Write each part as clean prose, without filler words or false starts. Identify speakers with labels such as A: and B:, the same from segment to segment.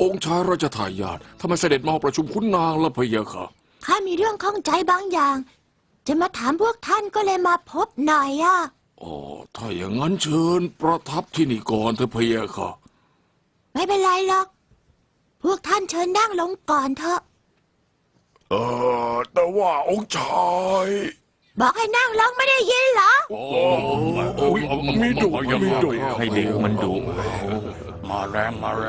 A: องค์ชายราชทายาททำไมเสด็จมาประชุมขุนนางล่ะพะยะค่ะ
B: ข้ามีเรื่องข้องใจบางอย่างจะมาถามพวกท่านก็เลยมาพบหน่อยอ่ะ
A: อ๋อถ้าอย่างนั้นเชิญประทับที่นี่ก่อนเถอะพะยะค่ะ
B: ไม่เป็นไรหรอกพวกท่านเชิญนั่งลงก่อนเถอะ
A: แต่ว่าองค์ชาย
B: บอกให้นั่งลงไม่ได้ยินเหรอ
A: มีดุ
C: ให้เด็กมันดุ
A: มาแรง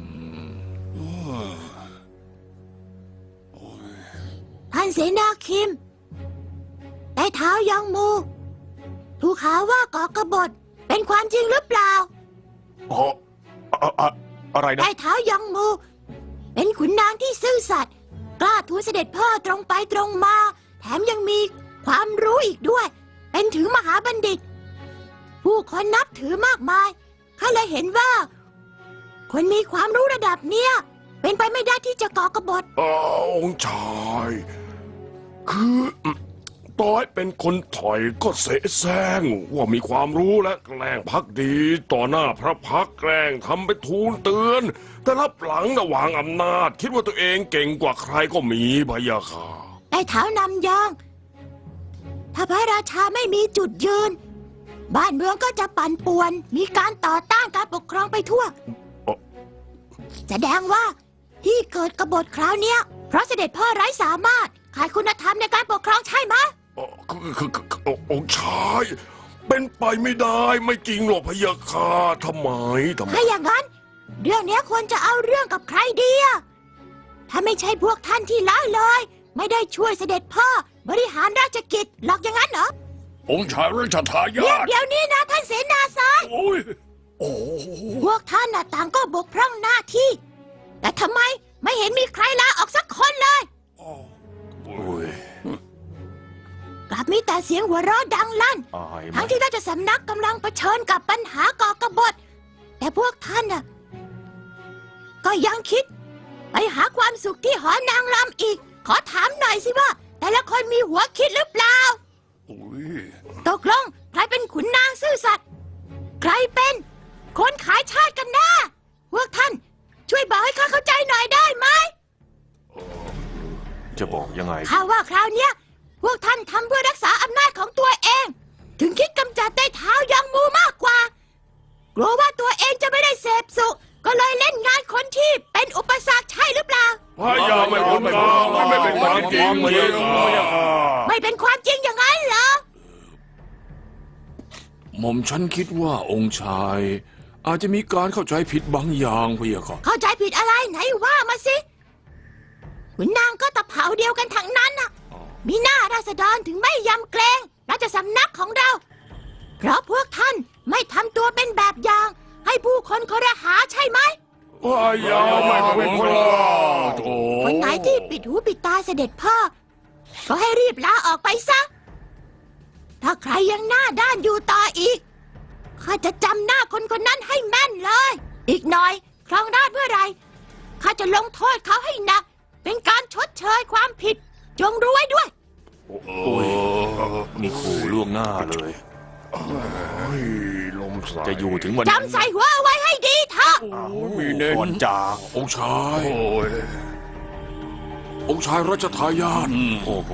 B: ท่านเสนาคิมใต้เท้ายังมูถูกหาว่าก่อกบฏเป็นความจริงหรือเปล่า
C: อะไรนะ
B: ใต้เท้ายังมูเป็นขุนนางที่ซื่อสัตย์กล้าทูลเสด็จพ่อตรงไปตรงมาแถมยังมีความรู้อีกด้วยเป็นถึงมหาบัณฑิตผู้คนนับถือมากมายข้าเลยเห็นว่าคนมีความรู้ระดับเนี้ยเป็นไปไม่ได้ที่จะก่อกบฏ
A: องค์ชายคือต่อยเป็นคนถอยก็เสแสร้งว่ามีความรู้และแกล้งพักดีต่อหน้าพระพักแกล้งทำไปทูลเตือนแต่รับหลังวางอำนาจคิดว่าตัวเองเก่งกว่าใครก็มีพะยะค่ะ
B: ใต้เท้านำยองถ้าพระราชาไม่มีจุดยืนบ้านเมืองก็จะปั่นป่วนมีการต่อต้านการปกครองไปทั่วแสดงว่าที่เกิดกบฏคราวเนี้ยเพราะเสด็จพ่อไร้สามารถขาดคุณธรรมในการปกครองใช่ไหม
A: คือองค์ชายเป็นไปไม่ได้ไม่จริงหรอกพะยะค่ะทำไม
B: ถ้าอย่างนั้นเรื่องนี้ควรจะเอาเรื่องกับใครดีอะถ้าไม่ใช่พวกท่านที่ละเลยไม่ได้ช่วยเสด็จพ่อบริหารราชกิจหรอกอย่างนั้นเหรอ
A: องค์ชายราชทายาท
B: เดี๋ยวนี้นะท่านเสนาสายพวกท่านน่ะต่างก็บกพร่องหน้าที่แต่ทำไมไม่เห็นมีใครลาออกสักคนเลยกลับมีแต่เสียงหัวเราะดังลั่นทั้งที่ราชสำนักกำลังเผชิญกับปัญหาก่อกบฏแต่พวกท่านน่ะก็ยังคิดไปหาความสุขที่หอนางรำอีกขอถามหน่อยสิว่าแต่ละคนมีหัวคิดหรือเปล่าตกลงใครเป็นขุนนางซื่อสัตย์ใครเป็นคนขายชาติกันแน่พวกท่านช่วยบอกให้ข้าเข้าใจหน่อยได้ไหม
C: จะบอกยังไง
B: ข้าว่าคราวเนี้ยพวกท่านทำเพื่อรักษาอำนาจของตัวเองถึงคิดกำจัดใต้เท้ายังมูมากกว่ากลัวว่าตัวเองจะไม่ได้เสพสุขก็เลยเล่นงานคนที่เป็นอุปสรรคใช่หรือเปล่า
A: ไม่เป็นความจริง
B: ไม่เป็นความจริงอย่างนั้นเหรอ
A: หม่อมฉันคิดว่าองค์ชายอาจจะมีการเข้าใจผิดบางอย่างพะยะค่ะ
B: เข้าใจผิดอะไรไหนว่ามาสิขุนนางก็ตะเผาเดียวกันทั้งนั้นน่ะมีหน้าราษฎรถึงไม่ยำเกรงราชสำนักของเราเพราะพวกท่านไม่ทำตัวเป็นแบบอย่างให้ผู้คนครหาใช่ไหม
A: ไม่เป็น
B: คนไหนที่ปิดหูปิดตาเสด็จพ่อก็ให้รีบลาออกไปซะถ้าใครยังหน้าด้านอยู่ต่ออีกข้าจะจำหน้าคนคนนั้นให้แม่นเลยอีกหน่อยครองราชย์เมื่อไรข้าจะลงโทษเขาให้หนักเป็นการชดเชยความผิดจงรู้ไว้ด้วย
C: นี่ขู่ล่วงหน้าเลย
A: ลมสาย
C: จะอยู่ถึงวัน
B: จำใส่หัวเอาไว้ให้ดีเถอะ
A: มีเน้น
C: ก่อนจาก
A: องค์ชายราชทายาท